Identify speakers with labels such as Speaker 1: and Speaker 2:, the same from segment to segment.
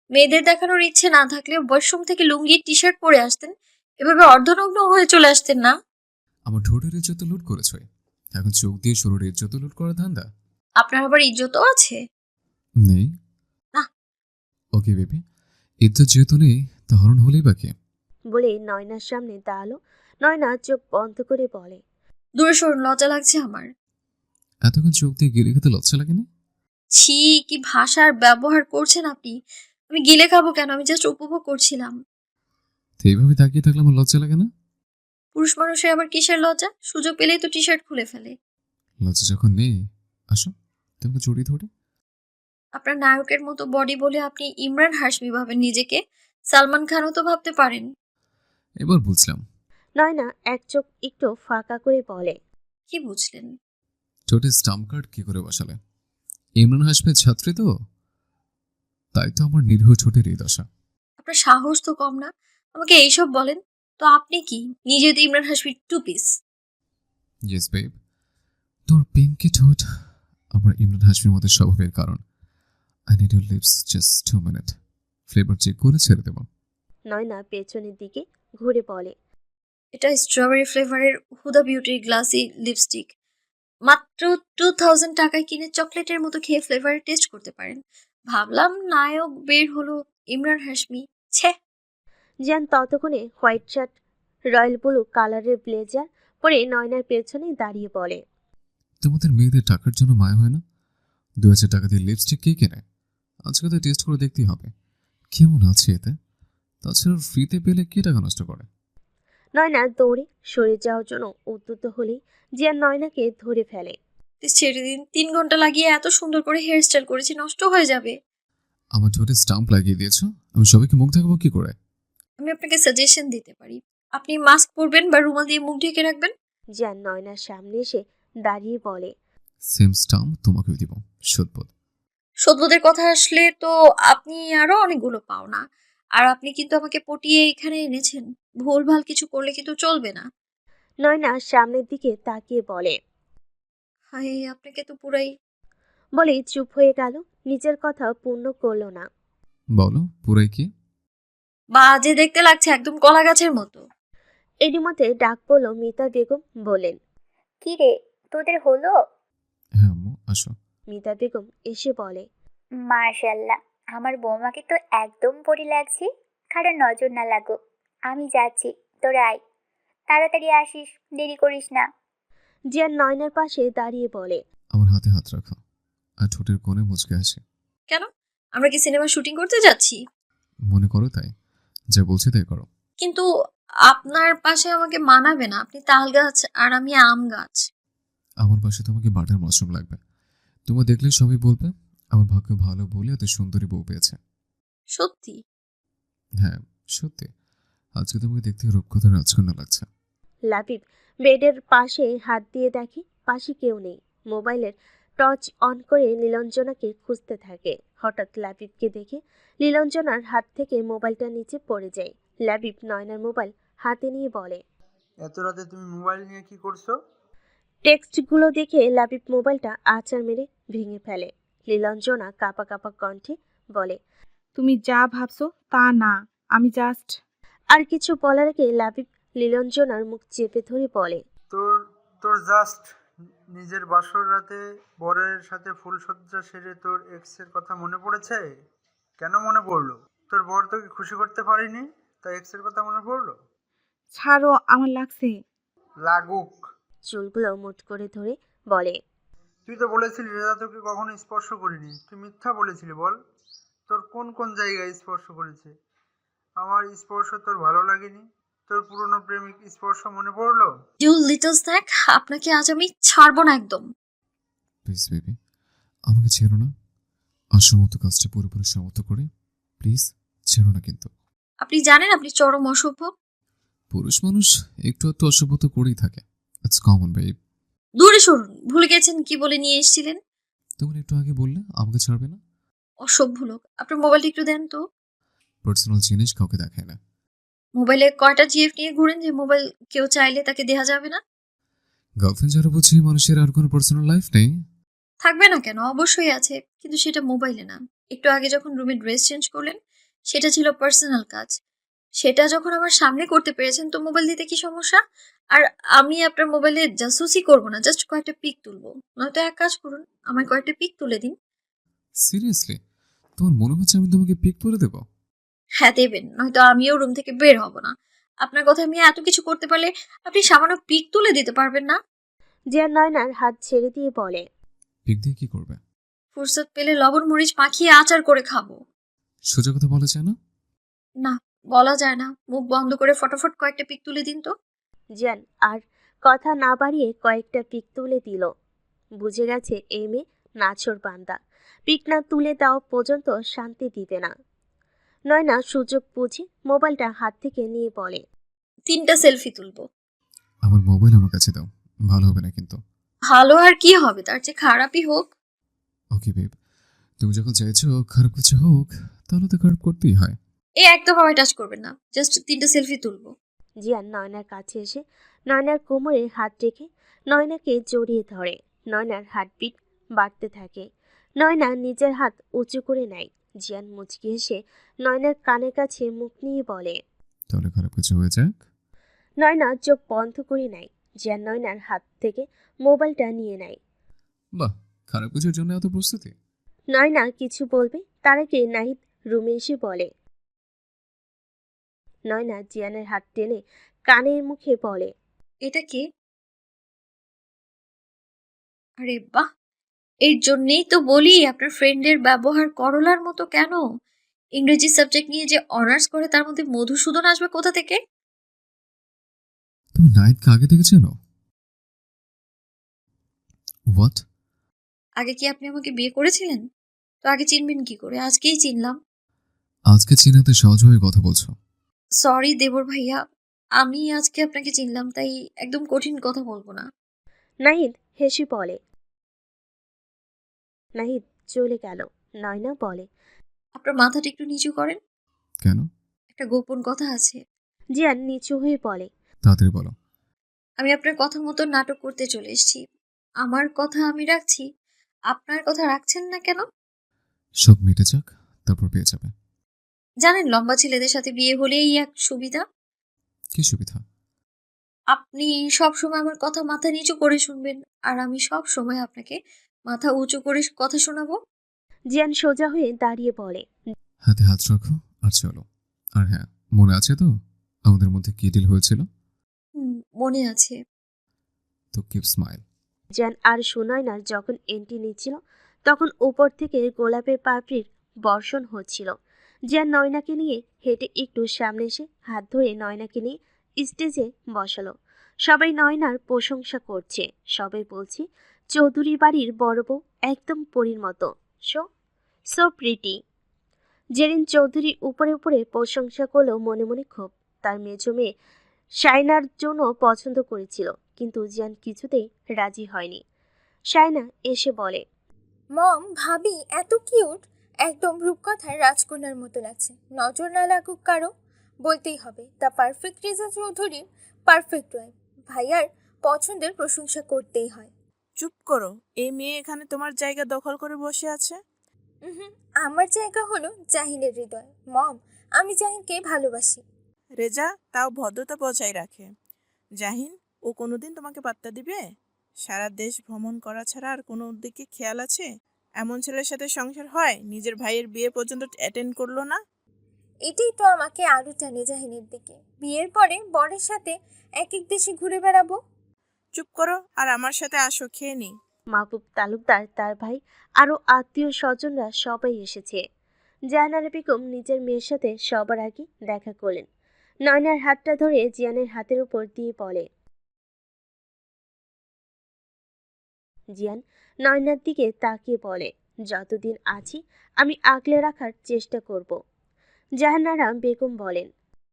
Speaker 1: মেয়েদের দেখানোর ইচ্ছে না থাকলে ওয়াশরুম থেকে লুঙ্গি টি-শার্ট পরে আসতেন, এভাবে অর্ধনগ্ন হয়ে চলে আসতেন না।
Speaker 2: আমার ঠোঁটের ইজ্জত লুট করেছ, এখন চোখ দিয়ে শরীরের ইজ্জত লুট করার ধান্দা?
Speaker 1: আপনার আবার ইজ্জতও আছে?
Speaker 2: নেই।
Speaker 1: না।
Speaker 2: ওকে বেবি, ইজ্জত যেহেতু নেই তা হরণ হলেই বাকি।
Speaker 3: বলে নয়নার সামনে দাঁড়ালো। নয়না চোখ বন্ধ করে বলে,
Speaker 1: দূরে সরুন, লজ্জা লাগছে আমার।
Speaker 2: এতক্ষণ চোখ দিয়ে গিলে খেতে লজ্জা লাগেনি?
Speaker 1: ছি, কি ভাষার ব্যবহার করছেন আপনি। আমি গিলে খাবো কেন, আমি জাস্ট উপভোগ করছিলাম।
Speaker 2: তো এইভাবে তাকিয়ে থাকলে আমার লজ্জা লাগে না?
Speaker 1: পুরুষ মানুষের আবার কিসের লজ্জা, সুযোগ পেলেই তো টি শার্ট খুলে ফেলে।
Speaker 2: লজ্জা যখন নেই, আসো তোমাকে জড়িয়ে ধরে।
Speaker 1: আপনার নায়কের মতো বডি বলে আপনি ইমরান হাশমি ভাবেন নিজেকে, সালমান খানও তো ভাবতে পারেন।
Speaker 2: এবার বুঝলাম।
Speaker 3: নয়না এক চোখ একটু ফাঁকা করে বলে,
Speaker 1: কি বুঝলেন?
Speaker 2: ঠোঁটে স্টাম্প কার্ড কি করে বসালে? ইমরান হাশমির ছাত্রী তো, তাই তো আমার নিরীহ ঠোঁটের এই দশা।
Speaker 1: আপনার সাহস তো কম না, আমাকে এইসব বলেন। তো আপনি কি নিজে তো ইমরান হাশমির টু পিস?
Speaker 2: ইয়েস বেব, তোর পিঙ্কি ঠোঁট আমার ইমরান হাশমির মতো স্বভাবের কারণ। I need your lips just 2 minute, flavour check করে ছেড়ে দেবো।
Speaker 3: নয়না পেছনের দিকে ঘুরে বলে,
Speaker 1: এটা স্ট্রবেরি ফ্লেভারের হুদা বিউটির গ্লাসি লিপস্টিক, মাত্র 2000 টাকায় কিনে চকলেটের মতো খেয়ে ফ্লেভার টেস্ট করতে পারেন। ভাবলাম নায়ক বের হলো, ইমরান হাশমি, ছে।
Speaker 3: জিয়ান ততক্ষণে হোয়াইট শার্ট, রয়্যাল ব্লু কালারের ব্লেজার পরে নয়নার পেছনে দাঁড়িয়ে বলে,
Speaker 2: তোমাদের মেয়েদের টাকার জন্য মায়া হয় না? 2000 টাকা দিয়ে লিপস্টিক কে কেনে? আজকে তো টেস্ট করে দেখতেই হবে কেমন আছে এতে। তাছাড়া ফ্রিতে পেলে কে টাকা নষ্ট করে?
Speaker 3: নয়না দৌড়ে সরে যাওয়ার জন্য উদ্যত হলেই জিয়ান নয়নাকে ধরে ফেলে।
Speaker 1: প্লিজ ছেড়ে দিন, 3 ঘন্টা লাগিয়ে এত সুন্দর করে হেয়ার স্টাইল করেছি, নষ্ট হয়ে যাবে।
Speaker 2: আমার ঠোঁটে স্টাম্প লাগিয়ে দিয়েছো, আমি সবাইকে মুখ দেখাবো কি করে?
Speaker 1: আমি আপনাকে সাজেশন দিতে পারি, আপনি মাস্ক পরবেন বা রুমাল দিয়ে মুখ ঢেকে রাখবেন।
Speaker 3: জিয়ান নয়নার সামনে এসে দাঁড়িয়ে বলে,
Speaker 2: সেম স্টাম্প তোমাকেও দিব, সদবোধ।
Speaker 1: সদ্যদের কথা আসলে তো আপনি আরো অনেকগুলো পাও না, আর আপনি কিন্তু আমাকে পটিয়ে এখানে এনেছেন, ভুলভাল কিছু করলে কিন্তু চলবে না।
Speaker 3: নয়না সামনের দিকে তাকিয়ে বলে,
Speaker 1: হায়, আপনাকে তো পুরাই।
Speaker 3: বলেই চুপ হয়ে গেল। নিজের কথা পূর্ণ করলো না।
Speaker 2: বলো পুরাই কি?
Speaker 1: বাজে দেখতে লাগছে, একদম কলা গাছের মতো।
Speaker 3: এরই মধ্যে ডাক পড়ল মিতা বেগম। বলেন,
Speaker 4: কি রে, তোদের হলো?
Speaker 2: হ্যাঁ আম্মু, আসো।
Speaker 3: মিতা বেগম এসে বলে,
Speaker 4: মাশাল্লাহ, আমার বৌমাকে তো একদম পরি লাগছে। কারণ নজর না লাগো, আমি যাচ্ছি, তোরা আয়, তাড়াতাড়ি আসিস, দেরি করিস না।
Speaker 3: জিয়ান নয়নার পাশে দাঁড়িয়ে বলে,
Speaker 2: আমার হাতে হাত রাখো আর ঠোঁটের কোণে মুচকে আসে।
Speaker 1: কেন, আমরা কি সিনেমা শুটিং করতে যাচ্ছি?
Speaker 2: মনে করো তাই, যা বলছি তাই করো।
Speaker 1: কিন্তু আপনার পাশে আমাকে মানাবে না, আপনি তাল গাছ আর আমি আম গাছ।
Speaker 2: আমার পাশে তোমাকে বাটার মাশরুম লাগবে। তোমার দেখলে সবাই বলবে আমার ভাগ্য ভালো বলে এত সুন্দরী বউ পেয়েছে।
Speaker 1: সত্যি?
Speaker 2: হ্যাঁ সত্যি, আজকে তোমাকে দেখতে রূপকথার রাজকন্যা লাগছে।
Speaker 3: লাবিব বেডের পাশে হাত দিয়ে দেখে পাশে কেউ নেই। মোবাইলের টর্চ অন করে নীলঞ্জনাকে খুঁজতে থাকে। হঠাৎ লাবিবকে দেখে নীলঞ্জনার হাত থেকে মোবাইলটা নিচে পড়ে যায়। লাবিব নয়নার মোবাইল হাতে নিয়ে বলে,
Speaker 5: এত রাতে তুমি মোবাইল নিয়ে কি করছো?
Speaker 3: টেক্সটগুলো দেখে লাবিব মোবাইলটা আছাড় মেরে ভেঙে ফেলে। নীলঞ্জনা কাঁপা কাঁপা কণ্ঠে বলে,
Speaker 6: তুমি যা ভাবছো তা না, আমি জাস্ট।
Speaker 3: আর কিছু বলার আগে লাবিব নীলঞ্জনার মুখ চেপে ধরে বলে,
Speaker 5: তোর তোর জাস্ট নিজের বাসর রাতে বরের সাথে ফুলসজ্জা সেরে তোর এক্সের কথা মনে পড়েছে? কেন মনে পড়লো? তোর বর তোকে খুশি করতে পারিনি, তাই এক্সের কথা মনে পড়লো?
Speaker 6: ছাড়ো, আমার লাগছে।
Speaker 5: লাগুক।
Speaker 3: চুলগুলো মুঠ করে ধরে বলে,
Speaker 5: তুই তো বলেছিলি রেজা তোকে কখনো স্পর্শ করিনি, তুই মিথ্যা বলেছিলি বল। তোর কোন কোন জায়গায় স্পর্শ করেছে? আমার স্পর্শ তোর ভালো লাগেনি? তোর পুরনো প্রেমিক স্পর্শ মনে পড়লো?
Speaker 1: ইউ লিটল স্ন্যাক, আপনাকে আজ আমি ছাড়বো না একদম।
Speaker 2: প্লিজ বেবি, আমাকে ছেড়ো না। অসমত কাজটা পুরোপুরি সমাপ্ত করে প্লিজ ছেড়ো না কিন্তু।
Speaker 1: আপনি জানেন আপনি চরম অসভ্য।
Speaker 2: পুরুষ মানুষ একটু একটু অসভ্যতা করেই থাকে, ইটস কমন বেব।
Speaker 1: দূরে সরুন, ভুলে গেছেন কি বলে নিয়ে এসেছিলেন।
Speaker 2: তুমি একটু আগে বললে আমাকে ছাড়বে না।
Speaker 1: অসভ্য লোক, আপনার মোবাইলটা একটু দেন তো।
Speaker 2: পার্সোনাল জিনিস কাউকে দেখায় না।
Speaker 1: মোবাইলে কয়টা জিএফ নিয়ে ঘুরেন যে মোবাইল কেউ চাইলে তাকে দেয়া যাবে না?
Speaker 2: গার্লফ্রেন্ড যারা বুঝি মানুষের আর কোনো পার্সোনাল লাইফ নেই।
Speaker 1: থাকবে না কেন, অবশ্যই আছে, কিন্তু সেটা মোবাইলে না। একটু আগে যখন রুমে ড্রেস চেঞ্জ করলেন সেটা ছিল পার্সোনাল কাজ। সেটা যখন আমার সামনে করতে পেরেছেন তো মোবাইল দিতে কি সমস্যা? আর আমি আপনার মোবাইলে জাসুসি করব না, জাস্ট কয়েকটা পিক তুলবো। নয়তো এক কাজ করুন, আমায় কয়েকটা পিক তুলে দিন।
Speaker 2: সিরিয়াসলি? তোমার মনে হচ্ছে আমি তোমাকে পিক করে দেব?
Speaker 1: হ্যাঁ দেবেন, নয়তো আমিও রুম থেকে বের হব না। আপনার কথা আমি এত কিছু করতে পারলে আপনি সামান্য পিক তুলে দিতে পারবেন না?
Speaker 3: জিয়ান নয়নার হাত ছেড়ে দিয়ে বলে।
Speaker 2: পিক দিয়ে কি করবে?
Speaker 1: ফুরসত পেলে লবণ মরিচ মাখিয়ে আচার করে খাবো।
Speaker 2: সোজা কথা বলা যায় না?
Speaker 1: না, বলা যায় না। মুখ বন্ধ করে ফটাফট কয়েকটা পিক তুলে দিন তো।
Speaker 3: জিয়ান আর কথা না বাড়িয়ে কয়েকটা পিক তুলে দিল। বুঝে গেছে এই মেয়ে নাছোড় বান্দা, পিক না তুলে দেওয়া পর্যন্ত শান্তি দিবে না। নয়না সুযোগ বুঝে মোবাইলটা হাত থেকে নিয়ে বলে।
Speaker 1: 3টা সেলফি তুলবো।
Speaker 2: আমার মোবাইল আমার কাছে দাও। ভালো হবে না কিন্তু।
Speaker 1: ভালো আর কি হবে, তার চেয়ে খারাপই হোক।
Speaker 2: ওকে বেব, তুমি যখন চাইছো খারাপ কিছু হোক, তাহলে তো খারাপ করতেই হয়।
Speaker 1: একদম আমায় টাচ করবেন না, জাস্ট 3টা সেলফি তুলবো।
Speaker 3: জিয়ান নয়নার কাছে এসে নয়নার কোমরে হাত রেখে নয়নাকে জড়িয়ে ধরে। নয়নার হার্টবিট বাড়তে থাকে। নয়না নিজের হাত উঁচু করে নেয়। জিয়ান মুচকি হেসে নয়নার কানের কাছে মুখ নিয়ে বলে।
Speaker 2: তাহলে খারাপ কিছু হয়ে যাক।
Speaker 3: নয়না চোখ বন্ধ করে নেয়। জিয়ান নয়নার হাত থেকে মোবাইলটা নিয়ে নেয়।
Speaker 2: বাহ, খারাপ কিছুর জন্য এত প্রস্তুতি?
Speaker 3: নয়না কিছু বলবে তার আগে নাহিদ রুমে এসে বলে। নয়না জিয়ানের হাত টেনে কানের মুখে বলে।
Speaker 1: এটা কে? আরে বাহ, এর জন্যেই তো বলি আপনার ফ্রেন্ডের ব্যবহার করলার মতো কেন। ইংরেজি সাবজেক্ট নিয়ে যে অনার্স করে তার মধ্যে মধুসূদন আসবে কোথা থেকে?
Speaker 2: তুমি নাইটকে আগে থেকে চেনো? হোয়াট?
Speaker 1: আগে কি আপনি আমাকে বিয়ে করেছিলেন? তো আগে চিনবেন কি করে, আজকেই চিনলাম।
Speaker 2: আজকে চিনাতে সহজভাবে কথা বলছো।
Speaker 1: সরি দেবর ভাইয়া, আমি আজকে আপনাকে চিনলাম তাই একদম কঠিন কথা বলবো না।
Speaker 3: নাহিদ হেসে বলে। নাহিদ চলে গেল। নয়না বলে।
Speaker 1: আপনার মাথাটা একটু নিচু করেন,
Speaker 2: কেন?
Speaker 1: একটা গোপন কথা আছে।
Speaker 3: জিয়ান নিচু হয়ে বলে।
Speaker 2: তাড়াতাড়ি বলো।
Speaker 1: আমি আপনার কথা মতো নাটক করতে চলে এসেছি। আমার কথা আমি রাখছি, আপনার কথা রাখছেন না কেন?
Speaker 2: সব মিটে যাক, তারপর পেয়ে যাবে।
Speaker 1: জানেন লম্বা ছেলেদের সাথে বিয়ে হলেই এক সুবিধা,
Speaker 2: কি সুবিধা?
Speaker 1: আপনি সব সময় আমার কথা মাথা নিচু করে শুনবেন, আর আমি সব সময় আপনাকে মাথা উঁচু করে কথা শোনাবো।
Speaker 3: জিয়ান সোজা হয়ে দাঁড়িয়ে বলে।
Speaker 2: হাতে হাত রাখো আর চলো। আর হ্যাঁ, মনে আছে তো আমাদের মধ্যে কি ডিল হয়েছিল?
Speaker 1: মনে আছে।
Speaker 2: তো কিপ স্মাইল।
Speaker 3: জিয়ান আর সুনয়নার যখন এন্ট্রি নিচ্ছিল তখন উপর থেকে গোলাপের পাপড়ির বর্ষণ হচ্ছিল। জিয়ান নয়নাকে নিয়ে হেঁটে একটু সামনে এসে হাত ধরে নয়নাকে নিয়ে স্টেজে বসালো। সবাই নয়নার প্রশংসা করছে। সবাই বলছে চৌধুরী বাড়ির বড় বউ একদম পরীর মতো। So so pretty. Zerin Chowdhury উপরে উপরে প্রশংসা করলেও মনে মনে ক্ষোভ। তার মেজো মেয়ে শাইনার জন্য পছন্দ করেছিল, কিন্তু জিয়ান কিছুতেই রাজি হয়নি। শাইনা এসে বলে।
Speaker 7: মম, ভাবি এত কিউট, একদম রূপকথার রাজকন্যার মতো লাগছে। নজর না লাগুক কারো, বলতেই হবে দ্য পারফেক্ট রেজা চৌধুরীর পারফেক্ট ওয়াইফ। ভাইয়ার পছন্দের প্রশংসা করতেই হয়।
Speaker 8: চুপ করো, এই মেয়ে এখানে তোমার জায়গা দখল করে বসে আছে।
Speaker 7: হুম, আমার জায়গা হলো জাহিনের হৃদয়। মম, আমি জাহিনকে ভালোবাসি।
Speaker 8: রেজা তাও ভদ্রতা বজায় রাখে। জাহিন, ও কোনোদিন তোমাকে পাত্তা দিবে? সারা দেশ ভ্রমণ করা ছাড়া আর কোনো দিকে খেয়াল আছে? এমন ছেলের সাথে সংসার হয়, নিজের ভাইয়ের বিয়ে পর্যন্ত অ্যাটেন্ড করলো না।
Speaker 7: এটাই তো আমাকে আরো টানে জাহিনের দিকে। বিয়ের পরে বরের সাথে এক এক দেশে ঘুরে বেড়াবো।
Speaker 8: চুপ করো আর আমার সাথে আসো, খেয়ে নি।
Speaker 3: মাহবুব তালুকদার, তার ভাই, আরও আত্মীয় স্বজনরা সবাই এসেছে। জাহানারা বেগম নিজের মেয়ের সাথে সবার আগে দেখা করলেন। নয়নার হাতটা ধরে জিয়ানের হাতের উপর দিয়ে বলে। জিয়ান নয়নার দিকে তাকিয়ে বলে, যতদিন আছি আমি আগলে রাখার চেষ্টা করব। জাহানারা বেগম বলেন।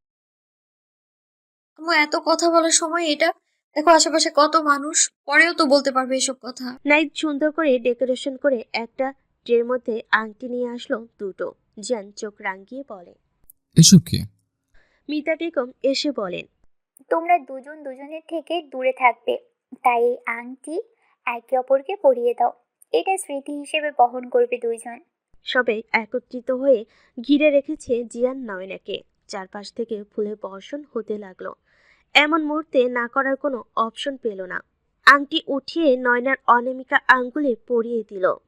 Speaker 1: আমার এত কথা বলার সময় এটা? দেখো আশেপাশে কত মানুষ, পরেও তো বলতে পারবে এসব কথা।
Speaker 3: নাইট সুন্দর করে ডেকোরেশন করে একটা ট্রের মধ্যে আংটি নিয়ে আসলো দুটো। জিয়ান চোখ রাঙিয়ে বলে।
Speaker 2: এসব কি?
Speaker 3: মিতা বেগম এসে বলেন।
Speaker 4: তোমরা দুজন দুজনের থেকে দূরে থাকবে, তাই এই আংটি একে অপরকে পরিয়ে দাও। এটা স্মৃতি হিসেবে বহন করবে দুইজন।
Speaker 3: সবাই একত্রিত হয়ে ঘিরে রেখেছে জিয়ান নয়নাকে। চারপাশ থেকে ফুলের বর্ষণ হতে লাগলো। এমন মুহূর্তে না করার কোনো অপশন পেল না। আংটি উঠিয়ে নয়নার অনামিকা আঙ্গুলে পরিয়ে দিল।